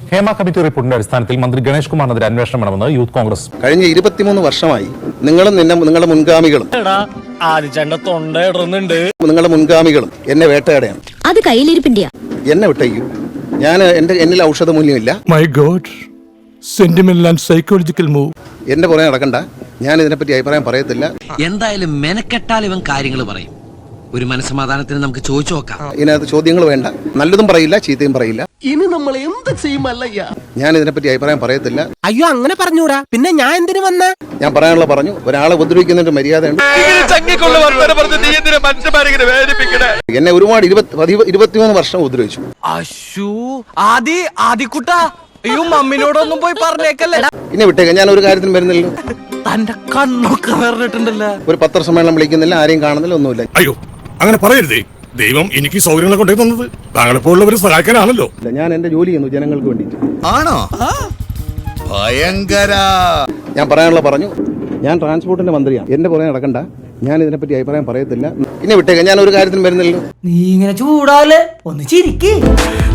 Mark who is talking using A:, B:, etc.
A: Hema committee റിപ്പോർട്ടിന്റെ അടിസ്ഥാനത്തിൽ മന്ത്രി ഗണേഷ് കുമാറിനെതിരെ അന്വേഷണം വേണമെന്ന് യൂത്ത് കോൺഗ്രസ്.
B: കഴിഞ്ഞ 23 വർഷമായി നിങ്ങളും നിങ്ങളുടെ മുൻഗാമികളും നിങ്ങളുടെ മുൻഗാമികളും എന്നെ വേട്ടയാടെയാണ്.
C: അത് കയ്യിലിരിപ്പിന്റെയാ.
B: എന്നെ വിട്ടയ്ക്കൂ. എന്നിൽ ഔഷധ മൂല്യമില്ല.
D: My god, sentimental and psychological move.
B: എന്റെ പുറകെ നടക്കണ്ട. ഞാൻ ഇതിനെപ്പറ്റി അഭിപ്രായം പറയത്തില്ല.
E: എന്തായാലും മെനക്കെട്ടാൽ ഇവൻ കാര്യങ്ങൾ പറയും. ഒരു മനസ്സമാധാനത്തിന് നമുക്ക് ചോദിച്ചു നോക്കാം.
B: ഇതിനകത്ത് ചോദ്യങ്ങൾ വേണ്ട. നല്ലതും പറയില്ല, ചീത്തയും പറയില്ല.
F: ഇനി നമ്മൾ എന്ത് ചെയ്യുമല്ലയ്യ?
B: ഞാൻ ഇതിനെപ്പറ്റി അഭിപ്രായം പറയത്തില്ല.
F: അയ്യോ, അങ്ങനെ പറഞ്ഞൂടാ. പിന്നെ ഞാൻ എന്തിനു വന്ന?
B: ഞാൻ പറയാനുള്ള പറഞ്ഞു. ഒരാളെ ഉപദ്രവിക്കുന്നതിന്റെ മര്യാദയുണ്ട്. എന്നെ ഒരുപാട് 23 വർഷം ഉപദ്രവിച്ചു.
F: അയ്യോ, മമ്മിനോടൊന്നും പോയി പറഞ്ഞേക്കല്ലേ.
B: ഇന്നെ വിട്ടേക്ക. ഞാൻ ഒരു കാര്യത്തിനും വരുന്നില്ല.
F: തന്റെ കണ്ണൊക്കെ വേറിട്ടുണ്ടല്ലോ.
B: ഒരു പത്രസമ്മേളനം വിളിക്കുന്നില്ല, ആരെയും കാണുന്നില്ല, ഒന്നുമില്ല.
D: അയ്യോ, അങ്ങനെ പറയരുതേ. ദൈവം എനിക്ക് സൗകര്യങ്ങളെ കൊണ്ടേ തന്നത് താങ്കളെപ്പോലുള്ളവരെ സഹായിക്കാനാണല്ലോ.
B: ഞാൻ എന്റെ ജോലി ചെയ്യുന്നു ജനങ്ങൾക്ക് വേണ്ടിയിട്ട്.
G: ആണോ? ഭയങ്കര.
B: ഞാൻ പറയാനുള്ള പറഞ്ഞു. ഞാൻ ട്രാൻസ്പോർട്ടിന്റെ മന്ത്രിയാണ്. എന്റെ പുറകെ നടക്കണ്ട. ഞാൻ ഇതിനെപ്പറ്റി അഭിപ്രായം പറയത്തില്ല. ഇന്നെ വിട്ടേക്ക. ഞാൻ ഒരു കാര്യത്തിനും വരുന്നില്ല.
F: നീ ഇങ്ങനെ ചൂടാല്, ഒന്ന് ചിരിക്ക്.